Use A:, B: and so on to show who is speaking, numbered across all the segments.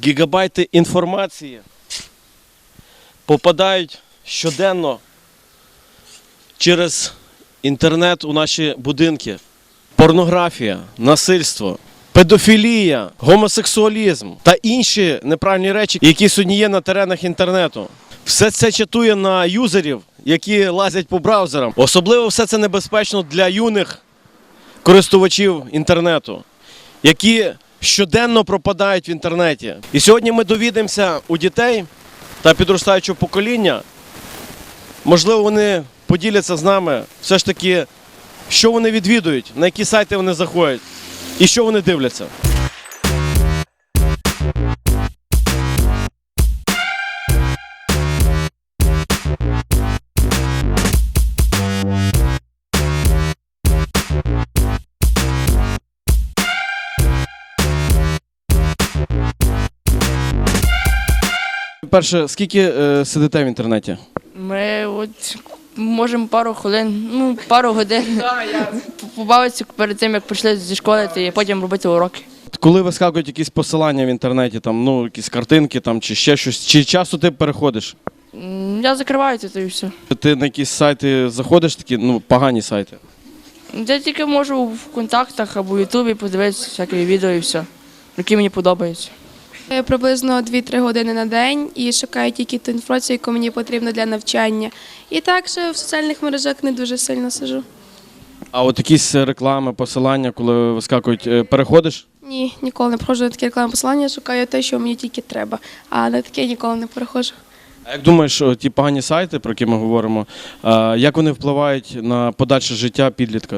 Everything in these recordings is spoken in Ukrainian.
A: Гігабайти інформації попадають щоденно через інтернет у наші будинки. Порнографія, насильство, педофілія, гомосексуалізм та інші неправильні речі, які сьогодні є на теренах інтернету. Все це чатує на юзерів, які лазять по браузерам. Особливо все це небезпечно для юних користувачів інтернету, які щоденно пропадають в інтернеті. І сьогодні ми довідаємося у дітей та підростаючого покоління, можливо, вони поділяться з нами все ж таки, що вони відвідують, на які сайти вони заходять і що вони дивляться. Перше, скільки сидите в інтернеті?
B: Ми от можемо пару хвилин, пару годин побавитися перед тим, як прийшли зі школи, і потім робити уроки.
A: Коли вискакують якісь посилання в інтернеті, там, якісь картинки там, чи ще щось, чи часто ти переходиш?
B: Я закриваю це і все.
A: Ти на якісь сайти заходиш, такі погані сайти?
B: Я тільки можу в контактах або в Ютубі подивитися всякі відео і все, які мені подобаються.
C: Приблизно 2-3 години на день і шукаю тільки ту інформацію, яку мені потрібно для навчання. І так що в соціальних мережах не дуже сильно сиджу.
A: А от якісь реклами, посилання, коли вискакують, переходиш?
C: Ні, ніколи не проходжу на такі рекламні посилання, шукаю те, що мені тільки треба. А на таке ніколи не переходжу.
A: А як думаєш, ті погані сайти, про які ми говоримо, як вони впливають на подальше життя підлітка?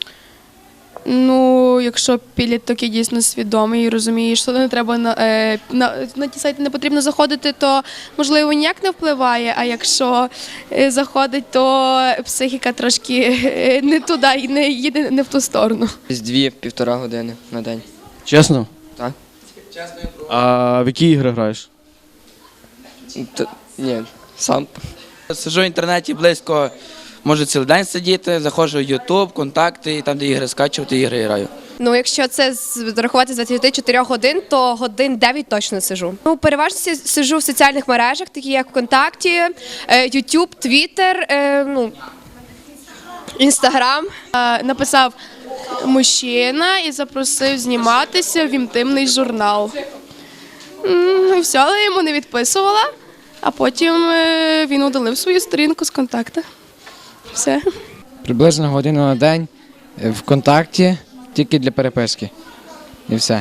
C: Якщо підліток є дійсно свідомий і розуміє, що не треба на ті сайти не потрібно заходити, то можливо ніяк не впливає. А якщо заходить, то психіка трошки не туди і не їде не в ту сторону.
D: З 2-1,5 години на день.
A: Чесно?
D: Так.
A: А в які ігри граєш?
D: Ні, сам.
E: Сиджу в інтернеті близько, можу цілий день сидіти, заходжу в YouTube, контакти, і там, де ігри скачувати, ігри граю.
F: Якщо це зарахувати з 24 годин, то годин 9 точно сиджу. Переважно сиджу в соціальних мережах, такі як ВКонтакті, YouTube, Twitter, Instagram.
C: Написав мужчина і запросив зніматися в інтимний журнал. І все, але я йому не відписувала, а потім він удалив свою сторінку з контакту. Все.
G: Приблизно годину на день в контакті, тільки для переписки. І все.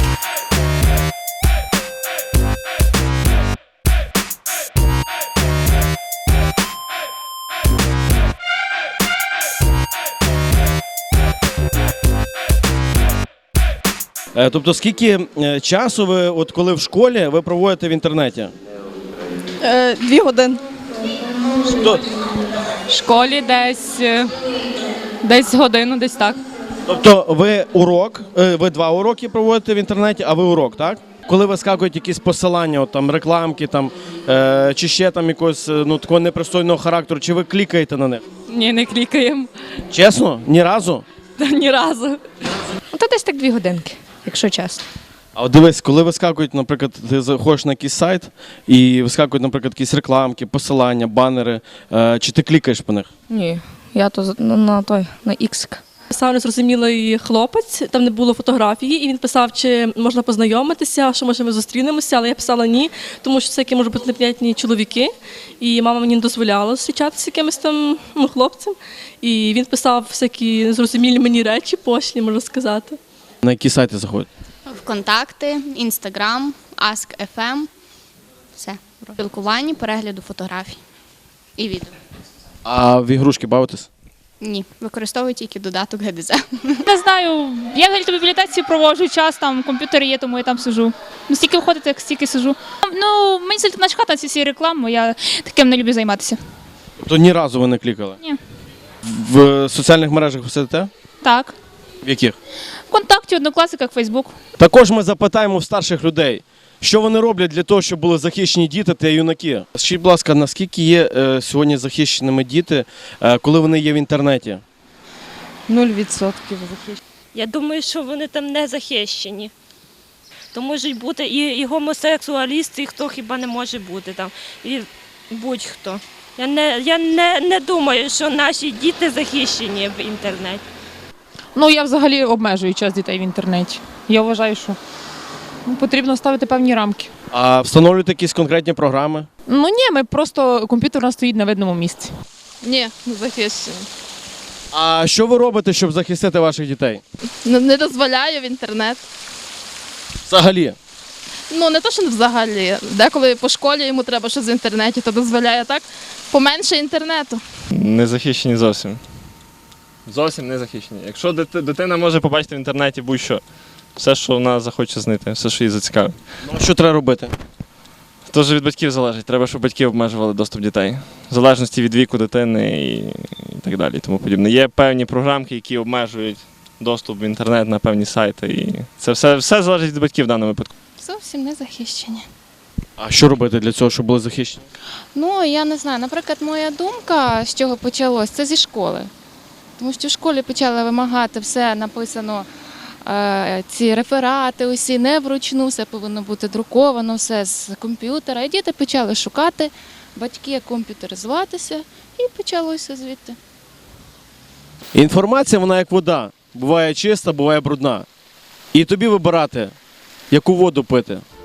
A: Тобто скільки часу ви, от коли в школі, ви проводите в інтернеті?
H: 2 години.
I: В школі десь годину, десь так.
A: Тобто ви 2 уроки проводите в інтернеті, а ви урок, так? Коли вискакують якісь посилання, рекламки, чи ще якогось такого непристойного характеру, чи ви клікаєте на них?
I: Ні, не клікаємо.
A: Чесно? Ні разу?
I: Ні разу.
J: То десь так 2 годинки, якщо чесно.
A: А от дивись, коли вискакують, наприклад, ти заходиш на якийсь сайт і вискакують, наприклад, якісь рекламки, посилання, банери, чи ти клікаєш по них?
J: Ні, я то на X.
I: Писав незрозумілий хлопець, там не було фотографії, і він писав, чи можна познайомитися, що може ми зустрінемося, але я писала ні, тому що це які можуть бути неприятні чоловіки, і мама мені не дозволяла зустрічатися з якимось там хлопцем, і він писав всякі незрозумілі мені речі, пошлі, можна сказати.
A: На які сайти заходять?
K: ВКонтакти, Інстаграм, Ask.fm, все. Спілкування, перегляду фотографій і відео.
A: А в ігрушки бавитесь?
K: Ні, використовую тільки додаток ГДЗ.
L: Не знаю, я взагалі в бібліотеці проводжу час, там комп'ютер є, тому я там сиджу. Стільки виходить, як стільки сиджу. Мені сильно начхати ці всі реклами, я таким не люблю займатися.
A: Тобто ні разу ви не клікали?
L: Ні.
A: В соціальних мережах ви сидите?
L: Так.
A: В яких?
L: ВКонтакті, Однокласниках, Фейсбук.
A: Також ми запитаємо в старших людей, що вони роблять для того, щоб були захищені діти та юнаки. Скажіть, будь ласка, наскільки є сьогодні захищеними діти, коли вони є в інтернеті?
H: 0% захищені.
M: Я думаю, що вони там не захищені. То можуть бути і гомосексуалісти, і хто хіба не може бути там, і будь-хто. Я не думаю, що наші діти захищені в інтернеті.
N: Ну, я взагалі обмежую час дітей в інтернеті. Я вважаю, що потрібно ставити певні рамки.
A: А встановлюєте якісь конкретні програми?
N: Ну ні, ми просто комп'ютер у нас стоїть на видному місці.
H: Ні, не захищені.
A: А що ви робите, щоб захистити ваших дітей?
H: Не дозволяю в інтернет.
A: Взагалі.
H: Ну, не то, що взагалі. Деколи по школі йому треба щось в інтернеті, то дозволяє так. Поменше інтернету.
O: Не захищені зовсім. Зовсім не захищені. Якщо дитина може побачити в інтернеті будь-що, все, що вона захоче знайти, все, що її зацікавить.
A: Ну, що треба робити?
O: Тож від батьків залежить. Треба, щоб батьки обмежували доступ дітей. В залежності від віку дитини і так далі. І тому подібне. Є певні програмки, які обмежують доступ в інтернет на певні сайти. І це все залежить від батьків в даному випадку.
K: Зовсім не захищені.
A: А що робити для цього, щоб були захищені?
K: Ну, я не знаю. Наприклад, моя думка, з чого почалось, це зі школи. Тому що в школі почали вимагати все написано, ці реферати усі не вручну, все повинно бути друковано, все з комп'ютера. І діти почали шукати, батьки комп'ютеризуватися, і почалося звідти.
A: Інформація, вона як вода. Буває чиста, буває брудна. І тобі вибирати, яку воду пити.